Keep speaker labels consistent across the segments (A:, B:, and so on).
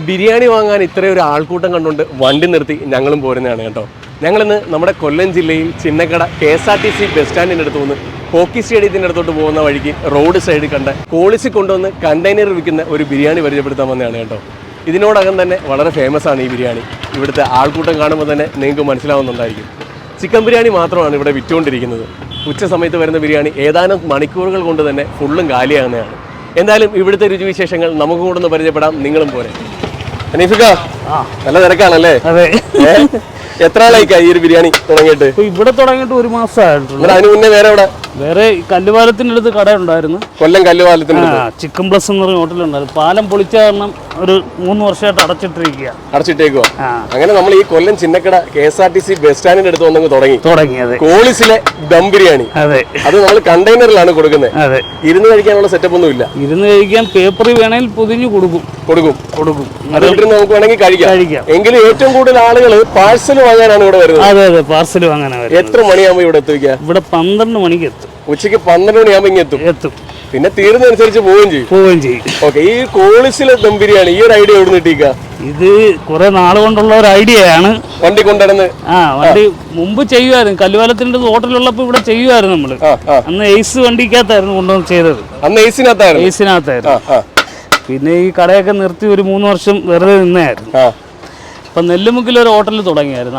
A: ബിരിയാണി വാങ്ങാൻ ഇത്രയും ഒരു ആൾക്കൂട്ടം കണ്ടുകൊണ്ട് വണ്ടി നിർത്തി ഞങ്ങളും പോരുന്നതാണ് കേട്ടോ. ഞങ്ങളിന്ന് നമ്മുടെ കൊല്ലം ജില്ലയിൽ ചിന്നക്കട KSRTC ബസ് സ്റ്റാൻഡിൻ്റെ അടുത്ത് നിന്ന് ഹോക്കി സ്റ്റേഡിയത്തിൻ്റെ അടുത്തോട്ട് പോകുന്ന വഴിക്ക് റോഡ് സൈഡിൽ കണ്ട കോളിസി കൊണ്ടുവന്ന് കണ്ടെയ്നർ വിൽക്കുന്ന ഒരു ബിരിയാണി പരിചയപ്പെടുത്താൻ വന്നതാണ് കേട്ടോ. ഇതിനോടകം തന്നെ വളരെ ഫേമസ് ആണ് ഈ ബിരിയാണി. ഇവിടുത്തെ ആൾക്കൂട്ടം കാണുമ്പോൾ തന്നെ നിങ്ങൾക്ക് മനസ്സിലാവുന്നുണ്ടായിരിക്കും. ചിക്കൻ ബിരിയാണി മാത്രമാണ് ഇവിടെ വിറ്റുകൊണ്ടിരിക്കുന്നത്. ഉച്ച സമയത്ത് വരുന്ന ബിരിയാണി ഏതാനും മണിക്കൂറുകൾ കൊണ്ട് തന്നെ ഫുള്ളും കാലിയാകുന്നതാണ്. എന്തായാലും ഇവിടുത്തെ രുചിവിശേഷങ്ങൾ നമുക്ക് കൂടെ ഒന്ന് പരിചയപ്പെടാം. നിങ്ങളും പോരെ. അനീഫിക്ക, നല്ല തിരക്കാണല്ലേ?
B: അതെ.
A: എത്ര നാളായിക്കായി ഈ ഒരു ബിരിയാണി തുടങ്ങിയിട്ട്?
B: ഇവിടെ തുടങ്ങിയിട്ട് 1 മാസമായിട്ടുള്ളൂ.
A: അതിന് മുന്നേ വേറെ
B: കല്ലുപാലത്തിന്റെ അടുത്ത് കട ഉണ്ടായിരുന്നു.
A: കൊല്ലം കല്ലുപാലത്തിന്റെ
B: ചിക്കൻ പ്ലസ് എന്ന് പറഞ്ഞ ഹോട്ടലുണ്ടായിരുന്നു. പാലം പൊളിച്ച കാരണം ഒരു 3 വർഷമായിട്ട്
A: അടച്ചിട്ടേക്കോ. അങ്ങനെ നമ്മൾ ഈ കൊല്ലം ചിന്നക്കട KSRTC ബസ് സ്റ്റാൻഡിന്റെ അടുത്ത് വന്നങ്ങ് തുടങ്ങിയത് കോളിസിലെ ദം ബിരിയാണി. അത് നമ്മൾ കണ്ടെയ്നറിലാണ് കൊടുക്കുന്നത്. ഇരുന്ന് കഴിക്കാനുള്ള സെറ്റപ്പ് ഒന്നും ഇല്ല.
B: ഇരുന്ന് കഴിക്കാൻ പേപ്പറിൽ വേണമെങ്കിൽ പൊതിഞ്ഞു കൊടുക്കും.
A: അത് നമുക്ക് വേണമെങ്കിൽ കഴിക്കാം. എങ്കിലും ഏറ്റവും കൂടുതൽ ആളുകൾ പാഴ്സൽ വാങ്ങാനാണ് ഇവിടെ വരുന്നത്.
B: അതെ, പാഴ്സൽ വാങ്ങാനാണ്.
A: എത്ര മണിയാകുമ്പോൾ ഇവിടെ എത്തിക്കുക?
B: ഇവിടെ 12 മണിക്ക് എത്തും.
A: ഉച്ചയ്ക്ക് 12 മണിയാകുമ്പോൾ ഇങ്ങ് എത്തും. പിന്നെ തീരുന്നതനുസരിച്ച് പോവുകയും ചെയ്യും. ഓക്കെ, ഈ കോളിസിലെ ദം ബിരിയാണി ഈ ഒരു ഐഡിയ എവിടെ കിട്ടിക്ക?
B: ഇത് കുറെ നാൾ കൊണ്ടുള്ള ഒരു ഐഡിയയാണ്.
A: വണ്ടി കൊണ്ടുവന്ന്
B: വണ്ടി മുമ്പ് ചെയ്യുമായിരുന്നു. കല്ലുപാലത്തിന്റെ ഹോട്ടലുള്ളപ്പോ ഇവിടെ ചെയ്യുമായിരുന്നു നമ്മള്. അന്ന് എയ്സ് വണ്ടിക്കകത്തായിരുന്നു കൊണ്ടുവന്ന് ചെയ്തത്.
A: അന്ന്
B: എയ്സിനകത്തായിരുന്നു. പിന്നെ ഈ കടയൊക്കെ നിർത്തി ഒരു 3 വർഷം വെറുതെ നിന്നായിരുന്നു. ഇപ്പൊ നെല്ലുമുക്കിൽ ഒരു ഹോട്ടൽ തുടങ്ങിയായിരുന്നു.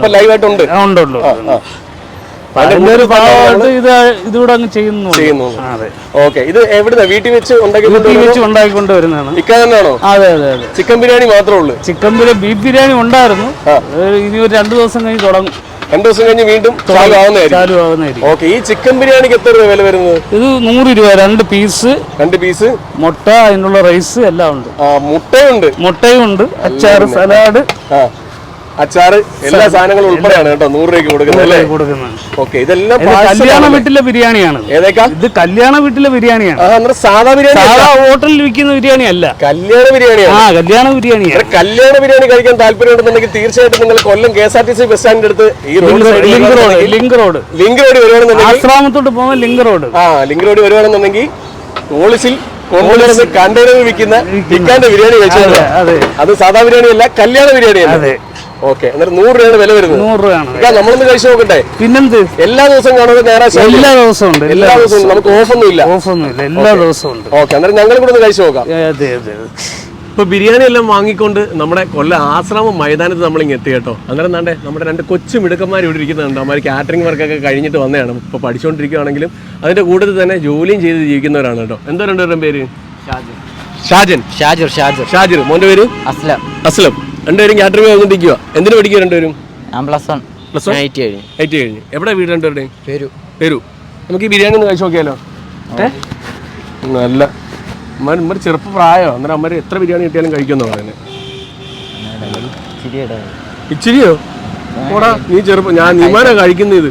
B: ഇതിവിടെ അങ്ങ് ചെയ്യുന്നു.
A: ഇത് എവിടുന്ന വീട്ടിൽ വെച്ച്
B: ഉണ്ടാക്കിക്കൊണ്ട് വരുന്നതാണ്. അതെ.
A: ചിക്കൻ ബിരിയാണി മാത്രമേ ഉള്ളൂ.
B: ബീഫ് ബിരിയാണി ഉണ്ടായിരുന്നു. ഇനി ഒരു 2 ദിവസം കഴിഞ്ഞ് തുടങ്ങും.
A: 2 ദിവസം കഴിഞ്ഞ് വീണ്ടും ചാലു ആവുന്നതായിരിക്കും. ഈ ചിക്കൻ ബിരിയാണിക്ക് എത്ര രൂപ വില വരുന്നത്?
B: ഇത് 100 രൂപ. 2 പീസ് മുട്ട, അതിനുള്ള റൈസ് എല്ലാം ഉണ്ട്. മുട്ടയും ഉണ്ട്. അച്ചാറ്, സലാഡ്,
A: അച്ചാറ്, എല്ലാ സാധനങ്ങളും ഉൾപ്പെടെയാണ് കേട്ടോ 100 രൂപയ്ക്ക് കൊടുക്കുന്നത്. ഓക്കെ, ഇതെല്ലാം
B: കല്യാണ വീട്ടിലെ ബിരിയാണിയാണ്. ഇത് കല്യാണ വീട്ടിലെ ബിരിയാണിയാണ്.
A: സാധാ ബിരിയാണി,
B: ഹോട്ടലിൽ വിൽക്കുന്ന ബിരിയാണി അല്ല.
A: കല്യാണ ബിരിയാണിയാണ്.
B: കല്യാണ ബിരിയാണി
A: കഴിക്കാൻ താല്പര്യമുണ്ടെന്നുണ്ടെങ്കിൽ തീർച്ചയായിട്ടും നിങ്ങൾ കൊല്ലം KSRTC ബസ് സ്റ്റാൻഡിന്റെ അടുത്ത് ഈ
B: ലിങ്ക് റോഡ്
A: വരുവാണെന്നുണ്ടെങ്കിൽ
B: ആശ്രാമത്തോട്ട് പോകുന്ന ലിങ്ക് റോഡ്
A: വരുവാണെന്നുണ്ടെങ്കിൽ കോളിസിൽ കൊണ്ടുവരുന്ന കണ്ടെയ്നറിൽ വിൽക്കുന്ന ഇക്കാന്റെ ബിരിയാണി കഴിച്ചത്. അത് സാധാ ബിരിയാണി അല്ല, കല്യാണ ബിരിയാണിയല്ല. ഓക്കെ, എന്നിട്ട് 100 രൂപയാണ് വില വരുന്നത്.
B: 100 രൂപയാണ്.
A: നമ്മളൊന്ന് കഴിച്ചു നോക്കട്ടെ.
B: പിന്നെന്ത്,
A: എല്ലാ ദിവസവും കാണുന്നത് ഞായറാഴ്ച?
B: എല്ലാ ദിവസവും ഉണ്ട്.
A: നമുക്ക് ഓഫൊന്നും ഇല്ല.
B: എല്ലാ ദിവസവും ഉണ്ട്.
A: ഓക്കെ, അന്നേരം ഞങ്ങൾ കൂടെ ഒന്ന് കഴിച്ചു നോക്കാം. ഇപ്പൊ ബിരിയാണി എല്ലാം വാങ്ങിക്കൊണ്ട് നമ്മുടെ കൊല്ലം ആശ്രാമം മൈതാനത്ത് നമ്മളിങ്ങ് എത്തി കേട്ടോ. അന്നേരം നാണ്ടേ നമ്മുടെ 2 കൊച്ചു മിടുക്കന്മാർ ഇവിടെ ഇരിക്കുന്നുണ്ട്. അവന്മാർ കാറ്ററിംഗ് വർക്കൊക്കെ കഴിഞ്ഞിട്ട് വന്നതാണ്. ഇപ്പൊ പഠിച്ചുകൊണ്ടിരിക്കുകയാണെങ്കിലും അതിന്റെ കൂട്ടത്തിൽ തന്നെ ജോലിയും ചെയ്ത് ജീവിക്കുന്നവരാണ് കേട്ടോ. എന്താ 2 പേരും പേര്? ഷാജിർ. മോന്റെ പേര്? അസ്ലം. 2 പേരും കാറ്ററിംഗ് വന്നിരിക്കുക. എന്തിനു പഠിക്കുക 2 പേരും? കഴിഞ്ഞു. എവിടെ വീട് 2 പേരുടെയും? പേരു. നമുക്ക് ഈ ബിരിയാണി ഒന്ന് കഴിച്ചു നോക്കിയാലോ? നല്ല അമ്മ ചെറുപ്പ പ്രായോ. അന്നേരം അമ്മ എത്ര ബിരിയാണി കിട്ടിയാലും കഴിക്കുമെന്ന് പറയുന്നത്. ഇച്ചിരിയോ? ഓടാ, നീ ചെറുപ്പം. ഞാൻ നീമാനാ കഴിക്കുന്നത്.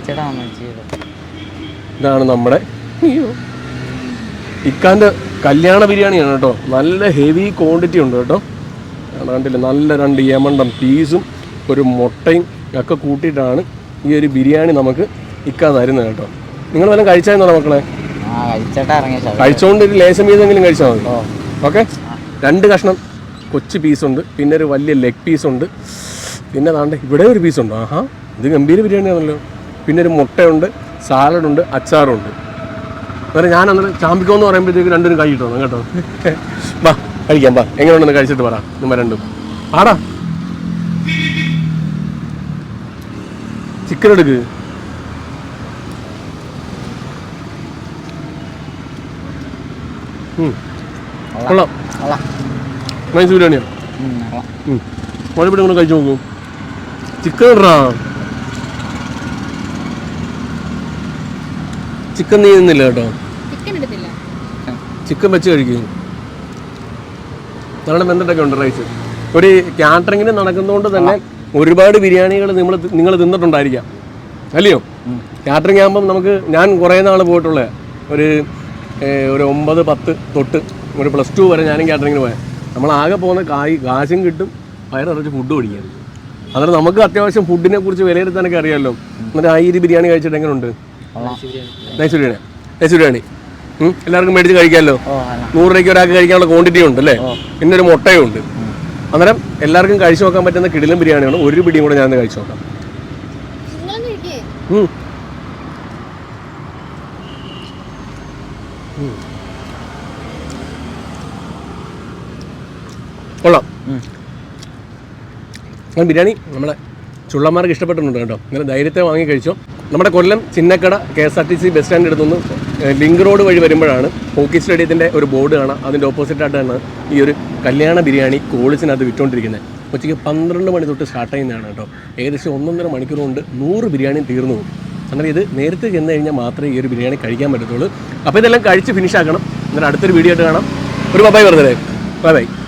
A: ഇതാണ് നമ്മുടെ ഇക്കാന്റെ കല്യാണ ബിരിയാണിയാണ് കേട്ടോ. നല്ല ഹെവി ക്വാണ്ടിറ്റി ഉണ്ട് കേട്ടോ. കണ്ടില്ല, നല്ല 2 യമണ്ടൻ പീസും ഒരു മുട്ടയും ഒക്കെ കൂട്ടിയിട്ടാണ് ഈ ഒരു ബിരിയാണി നമുക്ക് ഇക്കാ തരുന്നത് കേട്ടോ. നിങ്ങൾ വല്ലതും കഴിച്ചായിരുന്നോ മക്കളെ? കഴിച്ചോണ്ട് ഒരു ലേശം വീതെങ്കിലും കഴിച്ചാൽ മതി. ഓക്കെ, 2 കഷ്ണം കൊച്ചു പീസുണ്ട്, പിന്നെ ഒരു വലിയ ലെഗ് പീസുണ്ട്, പിന്നെ താണ്ട് ഇവിടെ ഒരു പീസുണ്ട്. ആഹാ, ഇത് ഗംഭീര ബിരിയാണിയാണല്ലോ. പിന്നെ ഒരു മുട്ടയുണ്ട്, സാലഡുണ്ട്, അച്ചാറുണ്ട്. അന്നേരം ഞാൻ അന്നേരം ചാമ്പിക്കോന്ന് പറയുമ്പോഴത്തേക്ക് 2 കൈ ഇട്ടു കേട്ടോ. വാ കഴിക്കാം, വാ. എങ്ങനെയുണ്ടെന്ന് കഴിച്ചിട്ട് പറ. നിങ്ങൾ 2 ആടാ. ചിക്കൻ എടുക്ക്. കൊള്ളാം, നൈസ് ബിരിയാണിയാണ്. കുഴപ്പമില്ല, കഴിച്ചു നോക്കൂ. ചിക്കൻ ഇടാ. ചിക്കൻ നീ നിന്നില്ല കേട്ടോ. ചിക്കൻ വെച്ച് കഴിക്കും. ഞങ്ങളുടെ ബന്ധത്തൊക്കെ ഉണ്ട് റൈസ്. ഒരു കാറ്ററിങ്ങിന് നടക്കുന്നതുകൊണ്ട് തന്നെ ഒരുപാട് ബിരിയാണികൾ നിങ്ങൾ തിന്നിട്ടുണ്ടായിരിക്കാം, അല്ലയോ? കാറ്ററിംഗ് ആകുമ്പം ഞാൻ കുറേ നാൾ പോയിട്ടുള്ള ഒരു 9, 10 തൊട്ട് ഒരു +2 വരെ ഞാനും കാറ്ററിങ്ങിന് പോയാൽ നമ്മളാകെ പോകുന്ന കാശും കിട്ടും, വയറിറച്ച് ഫുഡ് പിടിക്കാൻ. അന്നേരം നമുക്ക് അത്യാവശ്യം ഫുഡിനെ കുറിച്ച് വിലയിരുത്താനൊക്കെ അറിയാമല്ലോ. എന്നിട്ട് ഈ ബിരിയാണി കഴിച്ചിട്ട് എങ്ങനെയുണ്ട്? നൈസ് ബിരിയാണി. എല്ലാവർക്കും മേടിച്ച് കഴിക്കാമല്ലോ. 100 രൂപയ്ക്ക് ഒരാൾക്ക് കഴിക്കാനുള്ള ക്വാണ്ടിറ്റി ഉണ്ട് അല്ലേ? പിന്നെ ഒരു മുട്ടയും ഉണ്ട്. അന്നേരം എല്ലാവർക്കും കഴിച്ചു നോക്കാൻ പറ്റുന്ന കിടിലൻ ബിരിയാണിയാണ്. ഒരു പിടിയും കൂടെ ഞാൻ കഴിച്ചു നോക്കാം. കൊള്ളാം. ബിരിയാണി നമ്മളെ ചുള്ളന്മാർക്ക് ഇഷ്ടപ്പെട്ടിട്ടുണ്ട് കേട്ടോ. ഇങ്ങനെ ധൈര്യത്തെ വാങ്ങി കഴിച്ചോ. നമ്മുടെ കൊല്ലം ചിന്നക്കട KSRTC ബസ് സ്റ്റാൻഡിൻ്റെ അടുത്തുനിന്ന് ലിങ്ക് റോഡ് വഴി വരുമ്പോഴാണ് ഹോക്കി സ്റ്റേഡിയത്തിൻ്റെ ഒരു ബോർഡ് കാണാം. അതിൻ്റെ ഓപ്പോസിറ്റായിട്ടാണ് ഈ ഒരു കല്യാണ ബിരിയാണി കോളിസിനകത്ത് വിറ്റുകൊണ്ടിരിക്കുന്നത്. ഉച്ചയ്ക്ക് 12 മണി തൊട്ട് സ്റ്റാർട്ട് ചെയ്യുന്നതാണ് കേട്ടോ. ഏകദേശം 1.5 മണിക്കൂർ കൊണ്ട് 100 ബിരിയാണി തീർന്നു പോകും. അങ്ങനെ ഇത് നേരത്തെ ചെന്ന് കഴിഞ്ഞാൽ മാത്രമേ ഈ ഒരു ബിരിയാണി കഴിക്കാൻ പറ്റത്തുള്ളൂ. അപ്പോൾ ഇതെല്ലാം കഴിച്ച് ഫിനിഷ് ആക്കണം. എന്നിട്ട് അടുത്തൊരു വീഡിയോ ആയിട്ട് കാണാം. ഒരു ബൈ വെറുതെ ബൈ.